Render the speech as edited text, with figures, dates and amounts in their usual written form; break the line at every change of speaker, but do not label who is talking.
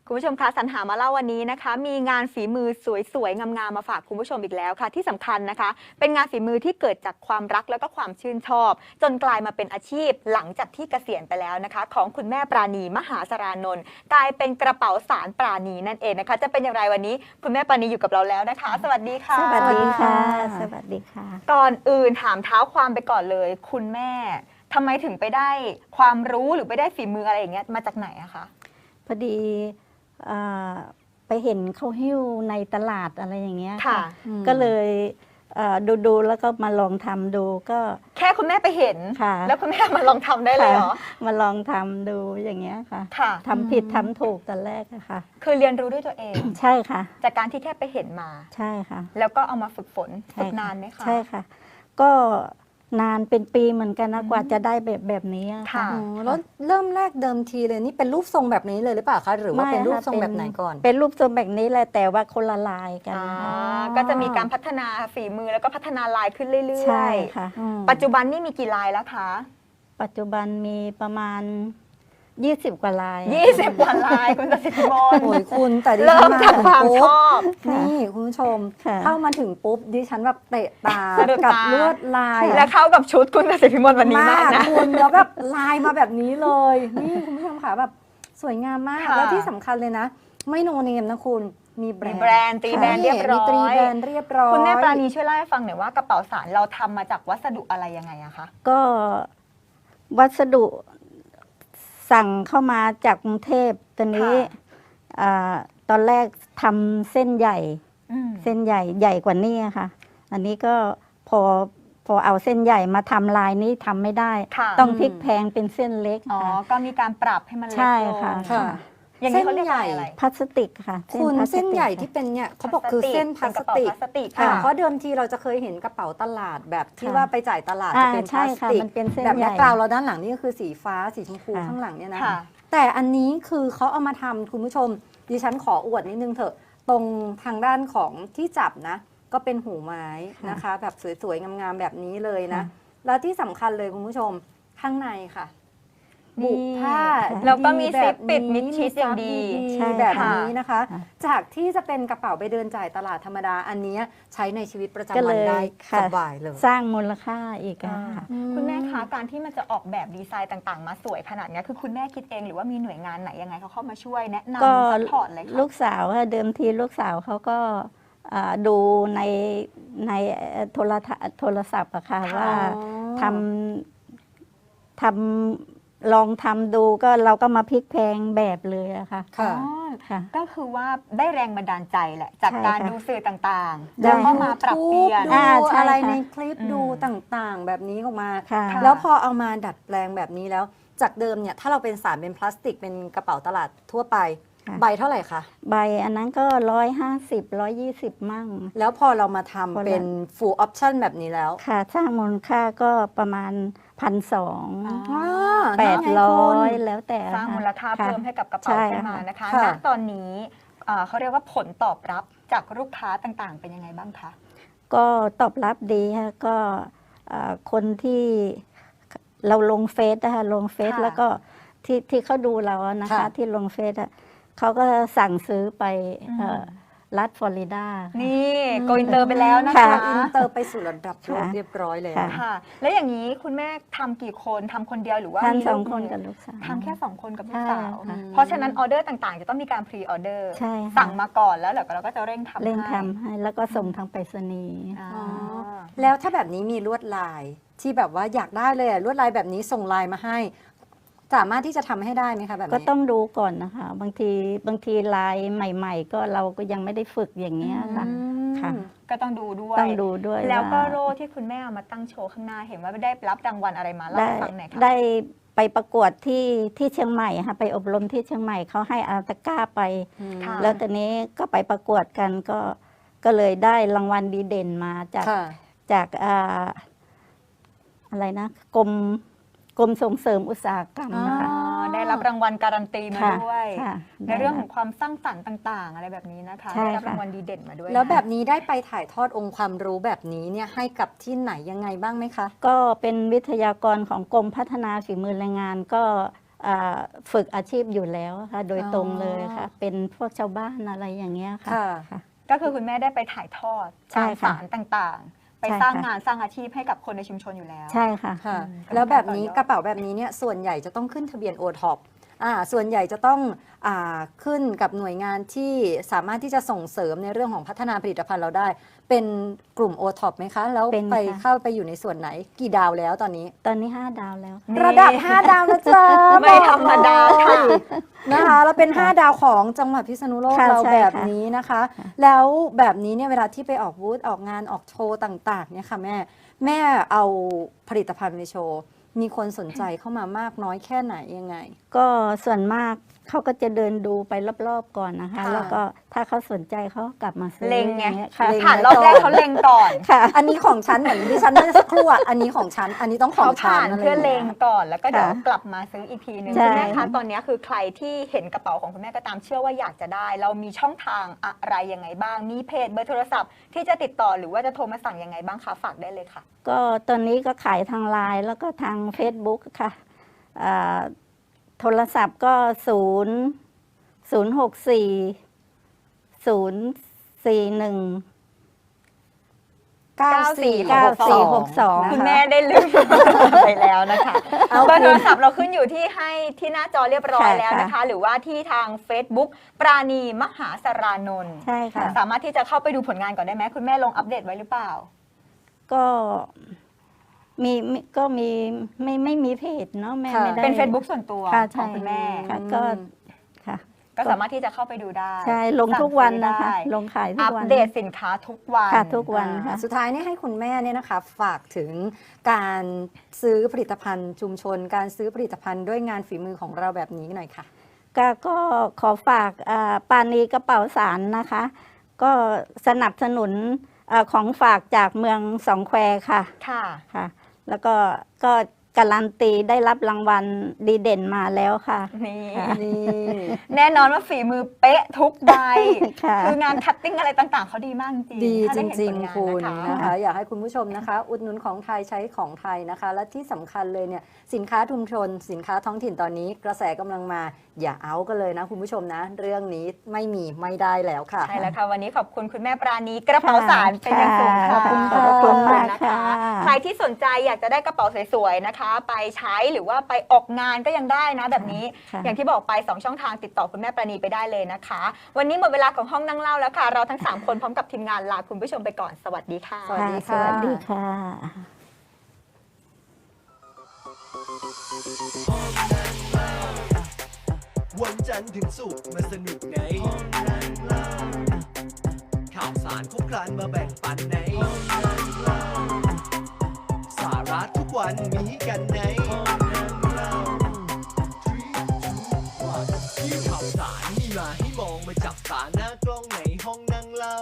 คุณผู้ชมคะสรรหามาเล่าวันนี้นะคะมีงานฝีมือสวยๆงามๆมาฝากคุณผู้ชมอีกแล้วค่ะที่สำคัญนะคะเป็นงานฝีมือที่เกิดจากความรักแล้วก็ความชื่นชอบจนกลายมาเป็นอาชีพหลังจากที่เกษียณไปแล้วนะคะของคุณแม่ปราณีมหาสรานนท์กลายเป็นกระเป๋าสารปราณีนั่นเองนะคะจะเป็นอย่างไรวันนี้คุณแม่ปราณีอยู่กับเราแล้วนะคะสวัสดีค่ะ
สวัสดีค่ะสวัสดีค่ะ
ก่อนอื่นถามเท้าความไปก่อนเลยคุณแม่ทำไมถึงไปได้ความรู้หรือไปได้ฝีมืออะไรอย่างเงี้ยมาจากไหนอะคะ
พอดีอ่าไปเห็นเขาหิ้วในตลาดอะไรอย่างเงี้ย
ค่ะ
ก็เลยดูแล้วก็มาลองทำดูก็
แค่คุณแม่ไปเห็น
ค่ะ
แล้วคุณแม่มาลองทำได้เลยเหรอ
มาลองทำดูอย่างเงี้ยค่ะ
ค่ะ
ทำผิดทำถูกตอนแรกอะค่ะ
คือเรียนรู้ด้วยตัวเอง
ใช่ค่ะ
จากการที่แค่ไปเห็นมา
ใช่ค่ะ
แล้วก็เอามาฝึกฝน
ใช่
ฝึก
ค่ะ
นานไหมคะ
ใช่ค่ะ ก็นานเป็นปีเหมือนกันนะกว่าจะได้แบบนี้อะ
ค่ะ
อ๋อแล้วเริ่มแรกเดิมทีเลยนี่เป็นรูปทรงแบบนี้เลยหรือเปล่าคะหรือว่าเป็นรูปทรงแบบไหนก่อน
เป็นรูปทรงแบบนี้แหละแต่ว่าคนละลายกัน
อ่า
ค่ะ
ก็จะมีการพัฒนาฝีมือแล้วก็พัฒนาลายขึ้นเรื่
ใช่
อย
ค่ะ
ๆ ปัจจุบันนี่มีกี่ลายแล้วคะ
ปัจจุบันมีประมาณ 20 กว่าลาย
20 กว่าลายคุณตสิทธิมน
โอ้ยคุณแต่ดิ
เริ่
ฉั
ม
น
จากความชอบ
นี่คุณผู้ชม
ค่ะ
เข้ามาถึงปุ๊บดิฉันแบบเตะตา
สะดุด
กับ
ตา
ลวดลาย
และเข้ากับชุดคุณตสิทธิมนวันนี้มากนะ
คุณแล้วแบบลายมาแบบนี้เลยนี่คุณผู้ชมค่ะแบบสวยงามมาก
ค่ะ
แล้วที่สำคัญเลยนะ ไม่โนเนมนะคุณมีแบร
มี
นด์
แบรนด์ตีแบรนด์เรียบร้
มีตรี
อย
แบรนด์เรียบร้อย
คุณแม่ปราณีช่วยเล่าให้ฟังหน่อยว่ากระเป๋าสารเราทำมาจากวัสดุอะไรยังไงอะคะ
ก็วัสดุสั่งเข้ามาจากกรุงเทพตอนนี้
ค่ะ
ตอนแรกทำเส้นใหญ่
อืม
เส้นใหญ่กว่านี้ค่ะ อันนี้ก็พอเอาเส้นใหญ่มาทำลายนี้ทำไม่ได้
ค่ะ
ต้องพลิกแพงเป็นเส้นเล็ก
อ๋อ
ค่ะ
ก็มีการปรับให้มันเล็ก
ใช่
ลง
ค่ะ
ค่ะ
อย่างนี้เขาเรียกว่าอะไร
พลาสติกค่ะ
คุณ
พลาสติก
เส้นใหญ่
ค่ะ
ที่เป็นเนี่ยเขาบอกคือเส้นพลาส
เป็นกระเป๋า
ติก
พลาสติก
ค่ะ
ค่ะ
เพราะเดิมทีเราจะเคยเห็นกระเป๋าตลาดแบบที่
ค่ะ
ว่าไปจ่ายตลาด
อ่า
จะเป็นพ
ใช่
ลาส
ค่ะ
ติก
มันเป็นเส้น
แบบ
ให
แบ็
ญ่
คกราวด์เราด้านหลังนี่ก็คือสีฟ้าสีชมพู
ค่ะ
ข้างหลังเนี่ยนะ
ค่ะ
แต่อันนี้คือเขาเอามาทำคุณผู้ชมดิฉันขออวดนิดนึงเถอะตรงทางด้านของที่จับนะ ก็เป็นหูไม้นะคะ แบบสวยๆงามๆแบบนี้เลยนะ แล้วที่สำคัญเลยคุณผู้ชมข้างในค่ะ บุผ้า
แล้วก็มี
แบ
ซิป
บ
ปิด
นี้
มิดชิดอย่างดี
มี
ใช่
ซับ
ค่ะ
แบบนี้นะคะ
ค่ะ
จากที่จะเป็นกระเป๋าไปเดินจ่ายตลาดธรรมดาอันเนี้ยใช้ในชีวิตประ
ก็
จำวั
เล
น
ย
ได้
ค่ะ
สบายเลย
สร้างมูลค่าอีกอะค่ะ
คุณแม่คะการที่มันจะออกแบบดีไซน์ต่างๆ มาสวยขนาดเนี้ยคือคุณแม่คิดเองหรือว่ามีหน่วยงานไหนยังไงเขาเข้ามาช่วยแนะ
ก็
นำซัพพอร์ตเลย
ลู
ค่ะ
กสาวค่ะเดิมทีลูกสาวเขาก็ดูในโทรศัพท์อะค่ะ
ค่ะ
ว่าทำลองทำดูก็เราก็มาพลิกแพลงแบบเลยอะค่ะ
ค่ะ
อ๋อ
ค่ะ
ก็คือว่าได้แรงบันดาลใจแหละ จาก
ใช่
การ
ค่ะ
ดูสื่อต่างๆ
ได้
แล้วก็มาปรับเปลี่ยน
ดู
อ่าใช่
อะไร
ค่ะ
ในคลิป
อืม
ดูต่างๆ แบบนี้ออกมา
ค่ะ
ค่ะ
แล้วพอเอามาดัดแปลงแบบนี้แล้ว จากเดิมเนี่ยถ้าเราเป็นสารเป็นพลาสติกเป็นกระเป๋าตลาดทั่วไป
ค่ะ
ใบเท่าไหร่คะ
ใบอันนั้นก็150 120 มั่ง
แล้วพอเรามาทำ
พอละ
เป็น full option แบบนี้แล้ว
ค่ะสร้างมูลค่าก็ประมาณ1,200
อ๋อ
800 แล้วแต่
สร้างมูลค่า
ะ
เพิ่มให้กับกระเป๋า
ใช่
ขึ้นมานะคะ
ค่ะ
ณตอนนี้เขาเรียกว่าผลตอบรับจากลูกค้าต่างๆ เป็นยังไงบ้างคะ
ก็ตอบรับดีค่ะก็คนที่เราลงเฟซนะคะลงเฟซ
ค่ะ
แล้วก็ที่เขาดูเราอะนะคะ
ค่ะ
ที่ลงเฟซอะเขาก็สั่งซื้อไปรัฐฟลอริดาค่ะ
นี่โกอินเตอร์ไปแล้วนะ
ค่ะ
คะ
อินเตอร์ไปสู่ระดับโลก
ค่ะ
เรียบร้อยแล้ว
ค่ะ
ค่ะ แล้วอย่างนี้คุณแม่ทำกี่คนทำคนเดียวหรือว่า
ท่าน
มี
ส
ลู
อง
ก
คน
มือ
กับลูกสาว
ทำแค่ 2 คนกับลูกสาว
ใช่ค่ะ
เพราะฉะนั้นออเดอร์ต่างๆ จะต้องมีการพรีออเดอร์
ใช่ค่ะ
สั่งมาก่อนแล้วเดี๋ยวเราก็จะเร่งทำ
เร่ง
ให้
ทำให้แล้วก็ส่งทางไปรษณีย์
อ่า
อ๋อ แล้วถ้าแบบนี้มีลวดลายที่แบบว่าอยากได้เลยอะลวดลายแบบนี้ส่งไลน์มาให้ สามารถที่จะทำให้ได้ไหมคะแบบนี้
ก็ต้องดูก่อนนะคะ บางทีลายใหม่ ๆ ก็เราก็ยังไม่ได้ฝึกอย่างเงี้ยค่ะ
อืม
ค่ะ
ก็ต้องดูด้วย
ต้องดูด้วย
แล้วก็
า
โล่ที่คุณแม่เอามาตั้งโชว์ข้างหน้าเห็นว่าได้รับรางวัลอะไรมาเล่า
ได้
ให้ฟังหน่อยค่ะ
ได้ไปประกวดที่เชียงใหม่ค่ะไปอบรมที่เชียงใหม่เขาให้เอาตะกร้าไป
ค่ะ
แล้วตอนนี้ก็ไปประกวดกันก็เลยได้รางวัลดีเด่นมาจาก
ค่ะ
จากอะไรนะกรมส่งเสริมอุตสาหกรรมนะคะ
อ๋อได้รับรางวัลการันตีมา
ค่ะ
ด้วย
ค่ะ
ในเรื่องของความสร้างสรรค์ต่างๆ อะไรแบบนี้นะคะ
ใช่
ได้รับ
ค่ะ
รางวัลดีเด่นมาด้วย
แล้วแบบ
นะ
นี้ได้ไปถ่ายทอดองค์ความรู้แบบนี้เนี่ยให้กับที่ไหนยังไงบ้างไหมคะ
ก็เป็นวิทยากรของกรมพัฒนาฝีมือแรงงานก็ฝึกอาชีพอยู่แล้วค่ะ โดย
อ๋อ
ตรงเลยค่ะ เป็นพวกชาวบ้านอะไรอย่างเงี้ยค่ะ
ค่ะ
ค่ะ
ก็คือคุณแม่ได้ไปถ่ายทอด
ใช่
ตาม
ค่ะ
สารต่างๆ ไป
ใช่
สร้าง
ค่ะ
งานสร้างอาชีพให้กับคนในชุมชนอยู่แล้ว
ใช่ค่ะ
ค่ะ
อืม
แล้วแบบนี้
ก็เป็นการต่อยอด
กระเป๋าแบบนี้เนี่ยส่วนใหญ่จะต้องขึ้นทะเบียนโอท็อปส่วนใหญ่จะต้องขึ้นกับหน่วยงานที่สามารถที่จะส่งเสริมในเรื่องของพัฒนาผลิตภัณฑ์เราได้ เป็นกลุ่มโอท็อปไหมคะ แล้ว
เป็น
ไป
ค่ะ
เข้าไปอยู่ในส่วนไหนกี่ดาวแล้วตอนนี้
ตอนนี้ 5 ดาวแล้วค่ะ
นี่
ระดับ 5 ดาวนะจ๊ะ
ไม่ธรรมดาค่ะ
นะคะแล้วเป็น 5 ดาวของจังหวัดพิษณุโลก
ค่ะ
เรา
ใช่
แบบ
ค่ะ
นี้นะคะ แล้วแบบนี้เนี่ยเวลาที่ไปออกบูธออกงานออกโชว์ต่างๆเนี่ยค่ะแม่เอาผลิตภัณฑ์ไปโชว์ มีคนสนใจเข้ามามากน้อยแค่ไหนยังไง
ก็ส่วนมากเขาก็จะเดินดูไปรอบๆก่อนนะคะ
ค่ะ
แล้วก็ถ้าเขาสนใจเขาก็กลับมาซื้อ
เล็งไง
อย่างงี้ยค่ะ
เล็ง
ผ่านรอบแรกเขาเล็งก่อน
ค่ะ
อันนี้ของฉันเหมือนดิฉันเมื่อสักครู่อ่ะอันนี้ของฉัน อันนี้ต้องขอ
เขา
งฉัน
ผ่าน
อะไร
เพื่อ
อย่าง
เล
เงี้
ง
ย
ก่อนแล้วก็เดี๋ยว
ค่ะ
กลับมาซื้ออีกทีหนึง
ใช่
คุณแม่คะตอนนี้คือใครที่เห็นกระเป๋าของคุณแม่ก็ตามเชื่อว่าอยากจะได้ เรามีช่องทางอะไรยังไงบ้าง มีเพจเบอร์โทรศัพท์ที่จะติดต่อหรือว่าจะโทรมาสั่งยังไงบ้างคะฝากได้เลยค่ะ
ก็ตอนนี้ก็ขายทางไลน์แล้วก็ทาง Facebook ค่ะอ่าโทรศัพท์ก็064 9462
คุณแม่ได้ลืม ไปแล้วนะคะ
เอา
เบอร์
คื
โท
น
รศัพท์เราขึ้นอยู่ที่ให้ที่หน้าจอเรียบร้อย
ค่ะ
แล้วนะคะ หรือว่าที่ทาง Facebook ปราณีมหาสรานนท์
ใช่ค่ะ
สามารถที่จะเข้าไปดูผลงานก่อนได้ไหมคุณแม่ลงอัปเดตไว้หรือเปล่า
ก็ก็มีไม่มีเพจเนาะแม่
ค่ะ
ไม่ได้
เป็น Facebook ส่วนตัว
ค่ะ
ข
ใช่
องคุณแม่
ค่ะก็ค่ะ
ก็สามารถที่จะเข้าไปดูได้
ใช่ลงทุกวันนะคะ
สั่งซื้อได้
ลงขายทุ
อั
ก
ป
วัน
เดตสินค้าทุกวัน
ค่ะทุกวันค่ะ
สุดท้ายนี่ให้คุณแม่เนี่ยนะคะฝากถึงการซื้อผลิตภัณฑ์ชุมชน การซื้อผลิตภัณฑ์ด้วยงานฝีมือของเราแบบนี้หน่อยค่ะ
ก็ขอฝากปานีกระเป๋าสารนะคะ ก็สนับสนุนของฝากจากเมืองสองแควค่ะ
ค่ะ
ค่ะ แล้วก็การันตีได้รับรางวัลดีเด่นมาแล้วค่ะ
นี่
ค่ะ
นี่
แน่นอนว่าฝีมือเป๊ะทุกใบ
ค่ะ
คืองานคัตติ้งอะไรต่างๆ เขาดีมากจริง
ดี
ถ้า
จ
ไเห็น
ริง
ผลาน
ๆ คุณ
นะ
นะคะ คะอยากให้คุณผู้ชมนะคะ อุดหนุนของไทยใช้ของไทยนะคะ และที่สำคัญเลยเนี่ยสินค้าชุมชน สินค้าท้องถิ่นตอนนี้กระแสกำลังมาอย่าเอากันเลยนะคุณผู้ชมนะ เรื่องนี้ไม่ได้แล้วค่ะ
ใช่แล้วค่ะ วันนี้ขอบคุณคุณแม่ปราณีกระเป๋าสารเป็นอย่างสูงค่ะ
ขอบคุณ
ค่ะ
ขอบคุณมาก
นะ
ค่ะ
คะใครที่สนใจอยากจะได้กระเป๋าสวยๆนะคะ ไปใช้หรือว่าไปออกงานก็ยังได้นะแบบนี้
ค่ะ
อย่างที่บอกไป 2 ช่องทางติดต่อคุณแม่ปราณีไปได้เลยนะคะ วันนี้หมดเวลาของห้องนั่งเล่าแล้วค่ะ เราทั้ง 3 คนพร้อมกับทีมงานลาคุณผู้ชมไปก่อนสวัสดีค่ะ
สวัสดี
สวัสดีค่ะ
วันจันทร์ถึงศุกร์มาสนุกในห้องนั่งเล่าข่าวสารครบครันมาแบ่งปันในห้องนั่งเล่าสาระทุกวันมีกันในห้องนั่งเล่า3 2 1ที่ข่าวสาร